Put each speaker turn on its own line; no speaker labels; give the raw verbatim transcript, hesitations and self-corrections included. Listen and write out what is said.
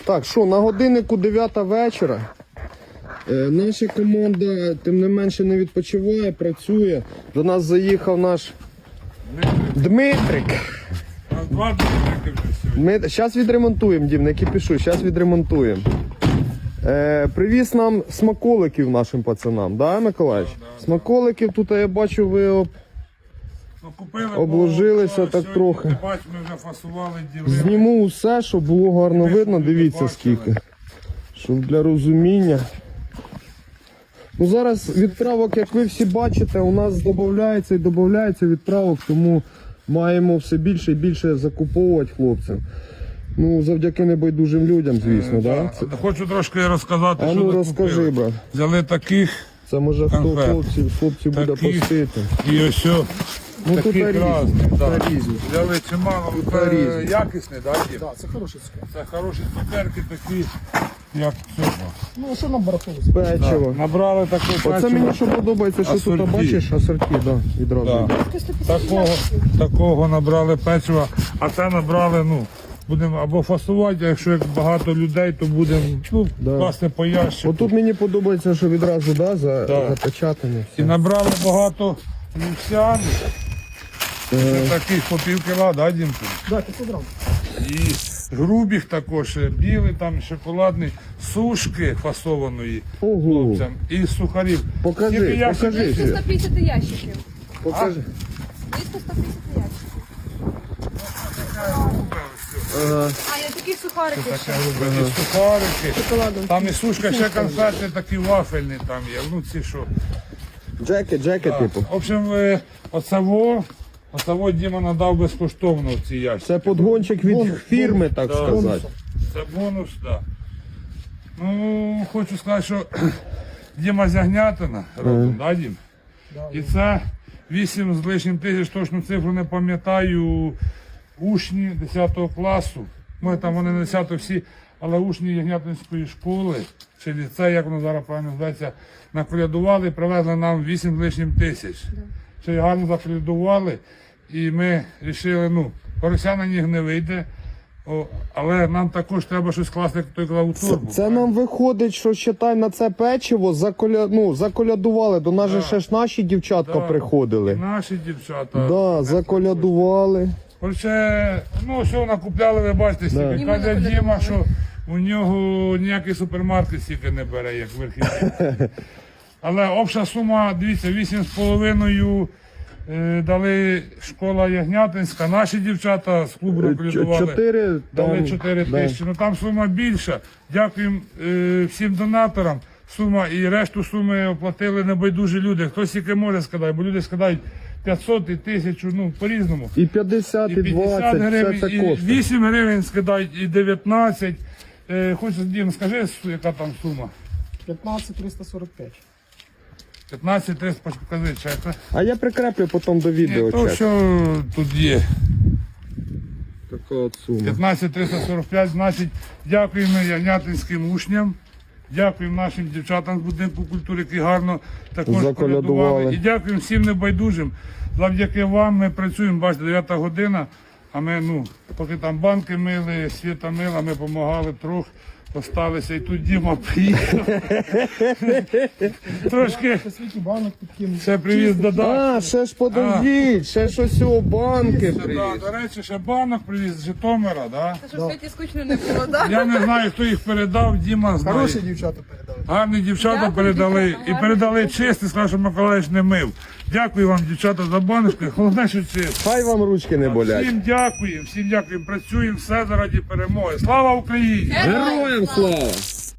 Так, що, на годиннику дев'ята вечора. Е, наша команда, тим не менше, не відпочиває, працює. До нас заїхав наш Дмитрик.
Два Дмитрики вже сьогодні.
Ми зараз відремонтуємо, Дім, не кипішу, зараз відремонтуємо. Е, привіз нам смаколиків нашим пацанам, да, Миколаївич?
Да, да,
Смаколиків тут, я бачу, ви об...
Ну, купили,
обложилися
бо,
так
сьогодні,
трохи.
ти бач, ми вже фасували, ділили.
Зніму все, щоб було гарно
Ми
видно,
люди
дивіться
бачили.
скільки. Щоб для розуміння. Ну зараз відправок, як ви всі бачите, у нас додається і додається відправок, тому маємо все більше і більше закуповувати хлопцям. Ну, завдяки небайдужим людям, звісно,
Е,
да?
да.
Це...
Хочу трошки розказати,
А
що
ну
ми
розкажи,
купили.
брат.
Взяли таких
Це може хто
Конфет.
хлопців, хлопців буде
Таких.
постити.
і ось о,
Ну тут
таких
різні,
разних.
тут
Да.
різні.
Взяли чимало.
Тут
Це
різні.
якісні, да, Дім?
Так, це хороший цукер.
Це хороші цукерки такі, як цього.
Ну, а що нам барахолить?
Печиво.
Набрали таку
Оце
печиво.
мені що подобається, що тут
Асорті.
бачиш, асорті, да, відразу.
Да. Такого, такого набрали печива, а це набрали, ну, будемо або фасувати, а якщо як багато людей, то будемо ну,
Да.
класти по ящику.
Отут мені подобається, що відразу да, за,
Да.
запечатане.
І набрали багато лівсян, це таких по пів кіла, да, Дімку?
Да, п'ятсот грам.
І грубих також, білий, там шоколадний, сушки фасованої
Ого.
хлопцям і сухарів.
Покажи,
Скільки ящиків?
покажи.
Близько сто п'ятдесят ящиків.
Покажи.
Близько сто п'ятдесят ящиків.
Ага.
А, я такі сухарики ще.
І сухарики.
Шоколадом.
Там і сушка, ще конфети такі вафельні там є. Ну ці що.
Джеки, джеки, типу.
В общем, е, оцево, оцево Діма надав безкоштовно в ці ящики.
Це подгончик від
Бонус,
фірми, так
Да.
сказати.
Це бонус, так. Да. Ну, хочу сказати, що Діма Зягнятина, родом, да, Дім? І це вісім з лишнім тисяч, точну цифру не пам'ятаю, учні десятого класу. Ми там вони не десятого всі, але учні Ягнятинської школи, чи ліцей, як воно зараз правильно зветься, наколядували і привезли нам вісім з лишнім тисяч. Ще й гарно заколядували, і ми вирішили, ну, порося на них не вийде, о, але нам також треба щось класти, як той казав, у
Це,
торбу.
це нам виходить, що считай на це печиво заколя... ну, заколядували. До нас же ще ж наші дівчатка
Да. І
приходили.
наші дівчата.
Да, заколядували.
Короче, ну що накупляли, ви бачите, стільки.
Ніби
Каже
наколядували.
Діма, що у нього ніякий супермаркет стільки не бере, як верхівний. Але обща сума, дивіться, вісім з половиною е, дали школа Ягнятинська, наші дівчата з клубу
Ч-
рекомендували.
Чотири
Дали
там,
чотири
да.
тисячі. Ну там сума більша. Дякуємо е, всім донаторам. Сума і решту суми оплатили небайдужі люди. Хтось тільки може скидати, бо люди скидають п'ятсот і тисячу, ну по-різному.
І п'ятдесят, і
І п'ятдесят
двадцять, все
гривень,
це
і
коштує.
вісім гривень скидають, і дев'ятнадцять. Е, Хочу, Дім, скажи, су- яка там сума?
п'ятнадцять триста сорок п'ять.
п'ятнадцять триста, покажи, чек.
А я прикреплю потім до
Ні,
відео
то,
чек.
що тут є.
Така от сума.
п'ятнадцять триста сорок п'ять, значить, дякуємо ягнятинським учням. Дякуємо нашим дівчатам з будинку культури, які гарно також
Заколядували.
колядували. І дякуємо всім небайдужим. Завдяки вам ми працюємо, бачите, дев'ята година, а ми, ну, поки там банки мили, світа мила, ми допомагали трохи, осталися. І тут Діма приїхав. Трошки
По світі банок підкинув.
ще привіз додати.
А, ще ж подождіть, ще ж ось о банки
Да,
привіз.
до речі, ще банок привіз з Житомира, да?
Це що в світі скучно не було, так?
Я не знаю, хто їх передав, Діма знає.
Хороші дівчата передали.
Гарні дівчата
Дякую,
передали
дівчата,
і
гарні
передали
дівчата.
чисті, сказав, що Миколаївич не мив. Дякую вам, дівчата, за баночку. Головне, що чисто.
Хай вам ручки не болять.
Всім дякуємо, всім дякуємо. Працюємо все заради перемоги. Слава Україні!
Героям слава!